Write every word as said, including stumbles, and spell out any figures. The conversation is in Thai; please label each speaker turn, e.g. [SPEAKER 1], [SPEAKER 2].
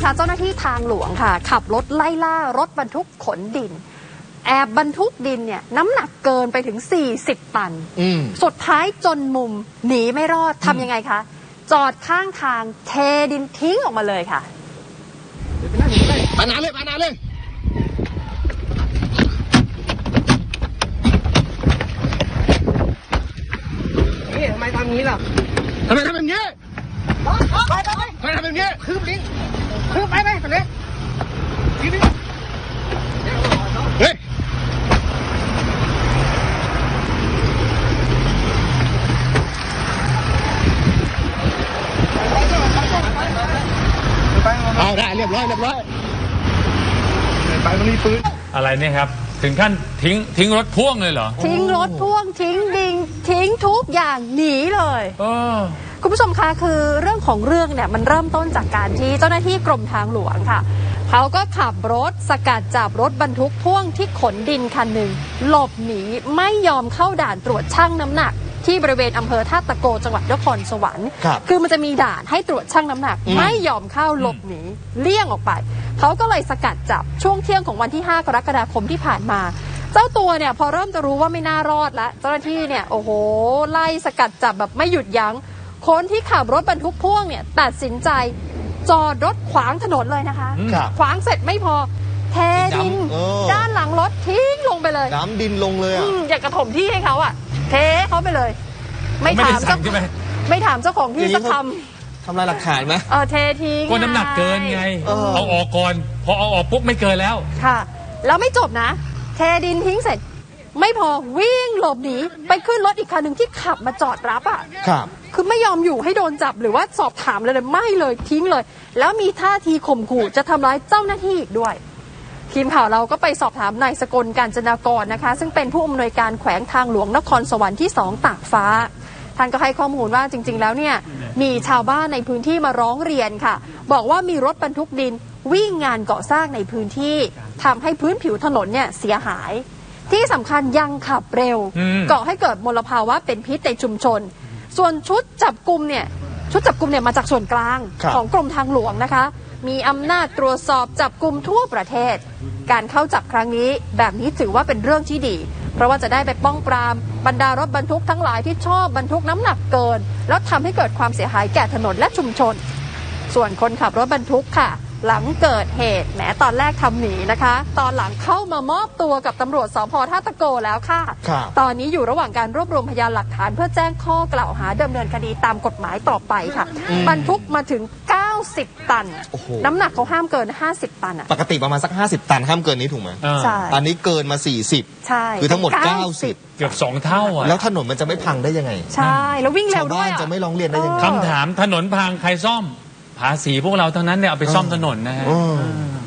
[SPEAKER 1] คะเจ้าหน้าที่ทางหลวงค่ะขับรถไล่ล่ารถบรรทุกขนดินแอบบรรทุกดินเนี่ยน้ำหนักเกินไปถึงสี่สิบตันสุดท้ายจนมุมหนีไม่รอดทำยังไงคะจอดข้างทางเทดินทิ้งออกมาเลยค่ะ
[SPEAKER 2] ปานาเลยปานาเลยนี่ทำไมทำงี้ล่ะทำไมทำแบบนี้ไปไปไปทำไมทำแบบนี้คืบลิงคืบไปไปไปเลยทีนี้เฮ้ยเอาได้เรียบร้อยเรียบร้อยไปมันมีปืน
[SPEAKER 3] อะไรเนี่ยครับถึงขั้นทิ้งทิ้งรถพ่วงเลยเหรอ
[SPEAKER 1] ทิ้งรถพ่วงทิ้งดิงทิ้งทุกอย่างหนีเลยคุณผู้ชมคะคือเรื่องของเรื่องเนี่ยมันเริ่มต้นจากการที่เจ้าหน้าที่กรมทางหลวงค่ะเขาก็ขับรถสกัดจับรถบรรทุกพ่วงที่ขนดินคันหนึ่งหลบหนีไม่ยอมเข้าด่านตรวจชั่งน้ำหนักที่บริเวณอำเภอท่าตะโกจังหวัดนครสวรรค์คือมันจะมีด่านให้ตรวจชั่งน้ำหนักไม่ยอมเข้าหลบหนีเลี่ยงออกไปเขาก็เลยสกัดจับช่วงเที่ยงของวันที่ห้ากรกฎาคมที่ผ่านมาเจ้าตัวเนี่ยพอเริ่มจะรู้ว่าไม่น่ารอดแล้วเจ้าหน้าที่เนี่ยโอ้โหไล่สกัดจับแบบไม่หยุดยั้งคนที่ขับรถบรรทุกพ่วงเนี่ยตัดสินใจจอดรถขวางถนนเลยนะคะขวางเสร็จไม่พอเทดินด้านหลังรถทิ้งลงไปเลย
[SPEAKER 2] น้ำดินลงเลยอ่ะ
[SPEAKER 1] อยากกระถมที่ให้เขาอ่ะเทเขาไปเลยไม่ถามเจ้าไม่ถามเจ้าของที่สักค
[SPEAKER 2] ำทำลายหลักฐานไหม
[SPEAKER 1] เออเททิ้ง
[SPEAKER 3] ก็น้ำหนักเกินไงเอาออกก่อนพอเอาออกปุ๊บไม่เกินแล้ว
[SPEAKER 1] ค่ะแล้วไม่จบนะเทดินทิ้งเสร็จไม่พอวิ่งหลบหนีไปขึ้นรถอีกคันหนึ่งที่ขับมาจอดรับอ่ะ
[SPEAKER 2] ครับ
[SPEAKER 1] คือไม่ยอมอยู่ให้โดนจับหรือว่าสอบถามเลยเลยไม่เลยทิ้งเลยแล้วมีท่าทีข่มขู่จะทำร้ายเจ้าหน้าที่อีกด้วยทีมข่าวเราก็ไปสอบถามนายสกลกาญจนากรนะคะซึ่งเป็นผู้อำนวยการแขวงทางหลวงนครสวรรค์ที่สองตากฟ้าท่านก็ให้ข้อมูลว่าจริงๆแล้วเนี่ยมีชาวบ้านในพื้นที่มาร้องเรียนค่ะบอกว่ามีรถบรรทุกดินวิ่งงานก่อสร้างในพื้นที่ทำให้พื้นผิวถนนเนี่ยเสียหายที่สำคัญยังขับเร็วก่อให้เกิดมลภาวะเป็นพิษในชุมชนส่วนชุดจับกุมเนี่ยชุดจับกุมเนี่ยมาจากส่วนกลางของกรมทางหลวงนะคะมีอำนาจตรวจสอบจับกุมทั่วประเทศการเข้าจับครั้งนี้แบบนี้ถือว่าเป็นเรื่องที่ดีเพราะว่าจะได้ไปป้องปรามบรรดารถบรรทุกทั้งหลายที่ชอบบรรทุกน้ำหนักเกินแล้วทำให้เกิดความเสียหายแก่ถนนและชุมชนส่วนคนขับรถบรรทุกค่ะหลังเกิดเหตุแม้ตอนแรกทำหนีนะคะตอนหลังเข้ามามอบตัวกับตำรวจสภ.ท่าตะโกแล้วค่ะตอนนี้อยู่ระหว่างการรวบรวมพยานหลักฐานเพื่อแจ้งข้อกล่าวหาดำเนินคดีตามกฎหมายต่อไปค่ะบรรทุกมาถึงเก้าสิบตันน้ำหนักเขาห้ามเกินห้าสิบตันอะ
[SPEAKER 2] ปกติประมาณสักห้าสิบตันห้ามเกินนี้ถูกไหม
[SPEAKER 1] ใช่
[SPEAKER 2] อันนี้เกินมาสี่สิบ
[SPEAKER 1] ใช่
[SPEAKER 2] คือทั้งหมดเก้าสิบ
[SPEAKER 3] เกือบสองเท่าอ่ะ
[SPEAKER 2] แล้วถนนมันจะไม่พังได้ยังไง
[SPEAKER 1] ใช่แล้ววิ่งเร็วด้วย
[SPEAKER 2] ชาวบ้านจะไม่ร้องเรียนได้ยังไง
[SPEAKER 3] คำถามถนนพังใครซ่อมภาษีพวกเราทั้งนั้นเนี่ยเอาไปซ่อมถนนนะฮะ